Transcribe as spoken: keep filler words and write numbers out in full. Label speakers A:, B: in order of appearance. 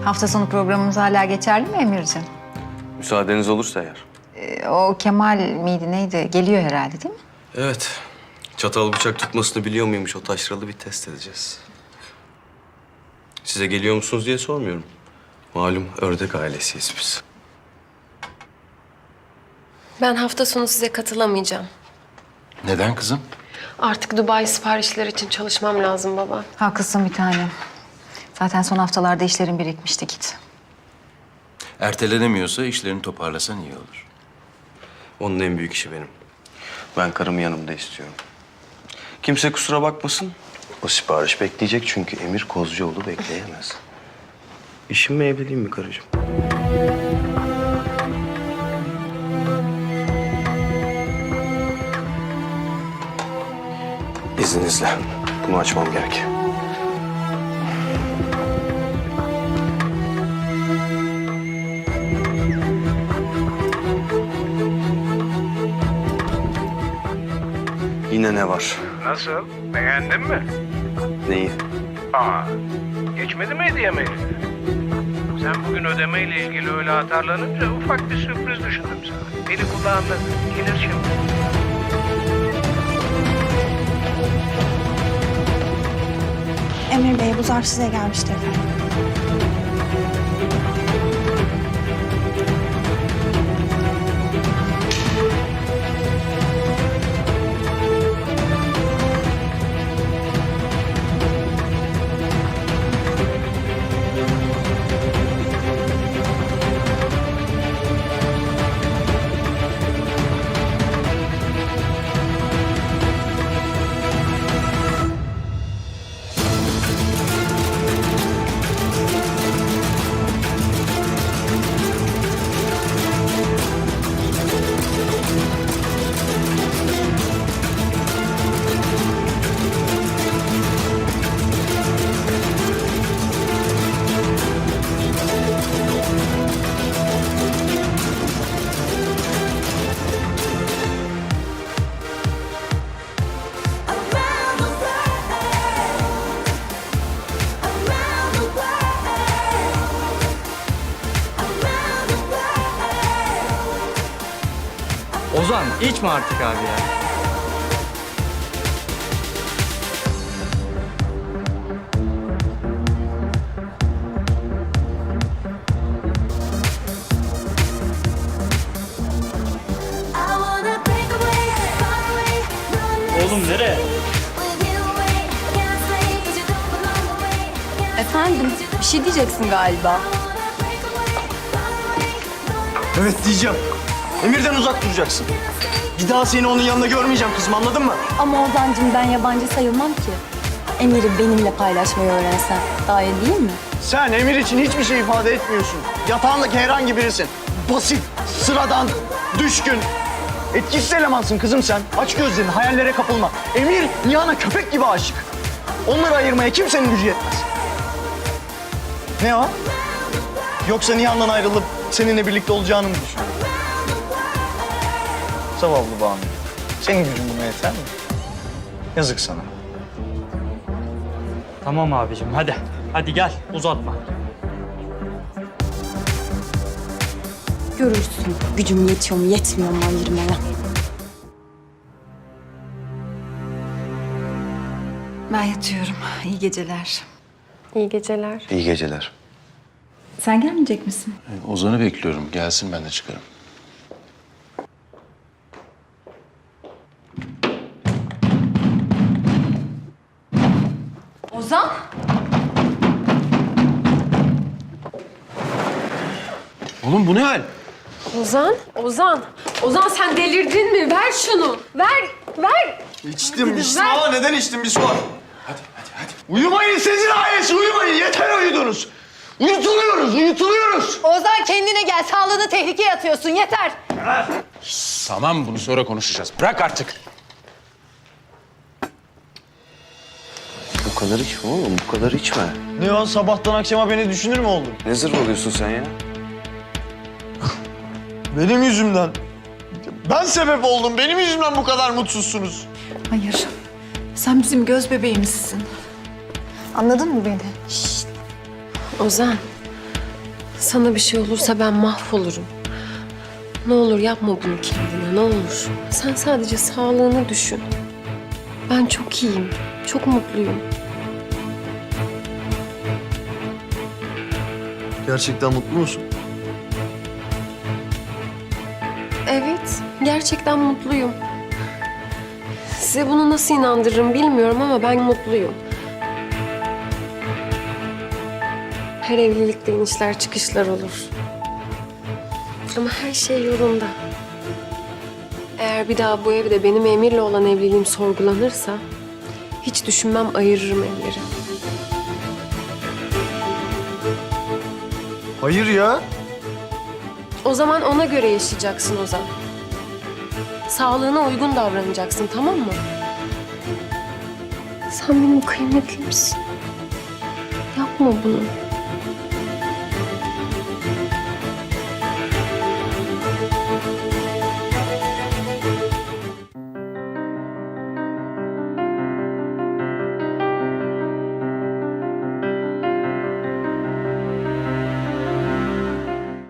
A: Hafta sonu programımız hala geçerli mi Emir'ciğim?
B: Müsaadeniz olursa eğer.
A: Ee, o Kemal miydi neydi? Geliyor herhalde değil mi?
B: Evet. Çatal bıçak tutmasını biliyor muymuş o taşralı bir test edeceğiz. Size geliyor musunuz diye sormuyorum. Malum ördek ailesiyiz biz.
C: Ben hafta sonu size katılamayacağım.
D: Neden kızım?
C: Artık Dubai siparişleri için çalışmam lazım baba.
A: Haklısın bir tanem. Zaten son haftalarda işlerin birikmişti git.
D: Ertelenemiyorsa işlerini toparlasan iyi olur.
B: Onun en büyük işi benim. Ben karımı yanımda istiyorum. Kimse kusura bakmasın. O sipariş bekleyecek çünkü Emir Kozcuoğlu bekleyemez. İşim mi evliliğim mi karıcığım? İzninizle. Bunu açmam gerek. Yine ne var?
E: Nasıl? Beğendin mi?
B: Neyi?
E: Aa, geçmedi mi hediye maili? Sen bugün ödemeyle ilgili öyle atarlanınca ufak bir sürpriz düşündüm sana. Beni kulağında gelir şimdi.
F: Emir Bey, bu zarf size gelmişti efendim.
G: Ozan içme artık abi ya. Oğlum nereye?
H: Efendim, bir şey diyeceksin galiba.
I: Evet diyeceğim. Emir'den uzak duracaksın. Bir daha seni onun yanında görmeyeceğim kızım, anladın mı?
H: Ama Ozan'cığım ben yabancı sayılmam ki. Emir'i benimle paylaşmayı öğrensen daha iyi değil mi?
I: Sen Emir için hiçbir şey ifade etmiyorsun. Yatağındaki herhangi birisin. Basit, sıradan, düşkün. Etkisiz elemansın kızım sen. Aç gözlerini, hayallere kapılma. Emir Nihan'a köpek gibi aşık. Onları ayırmaya kimsenin gücü yetmez. Ne o? Yoksa Nihan'dan ayrılıp seninle birlikte olacağını mı düşünüyorsun? Zavallı Banu. Senin gücün buna yeter mi? Yazık sana.
G: Tamam abicim hadi. Hadi gel uzatma.
H: Görürsün gücüm yetiyor mu yetmiyor mu ayırmaya.
A: Ben yatıyorum. İyi geceler.
C: İyi geceler.
B: İyi geceler.
A: Sen gelmeyecek misin?
D: Ozan'ı bekliyorum. Gelsin ben de çıkarım.
A: Ozan?
D: Oğlum bu ne hal?
C: Ozan, Ozan. Ozan sen delirdin mi? Ver şunu. Ver, ver.
I: İçtim, içtim ama neden içtim bir sor. Hadi, hadi, hadi. Uyumayın sizin ailesi, uyumayın. Yeter uyudunuz. Uyutuluyoruz, uyutuluyoruz.
J: Ozan kendine gel. Sağlığını tehlikeye atıyorsun. Yeter.
D: Tamam bunu sonra konuşacağız. Bırak artık.
B: Bu kadar içme oğlum, bu kadar içme.
I: Ne o, sabahtan akşama beni düşünür mü oldun?
B: Ne zırh oluyorsun sen ya?
I: Benim yüzümden. Ben sebep oldum. Benim yüzümden bu kadar mutsuzsunuz.
A: Hayır. Sen bizim göz bebeğimizsin. Anladın mı beni?
C: Ozan, Sana bir şey olursa ben mahvolurum. Ne olur yapma bunu kendine, ne olur. Sen sadece sağlığını düşün. Ben çok iyiyim, çok mutluyum.
I: Gerçekten mutlu musun?
C: Evet, gerçekten mutluyum. Size bunu nasıl inandırırım bilmiyorum ama ben mutluyum. Her evlilikte inişler çıkışlar olur. Ama her şey yolunda. Eğer bir daha bu evde benim Emir'le olan evliliğim sorgulanırsa... hiç düşünmem, ayırırım Emir'i.
I: Hayır ya.
C: O zaman ona göre yaşayacaksın Ozan. Sağlığına uygun davranacaksın, tamam mı? Sen benim kıymetlimsin. Yapma bunu.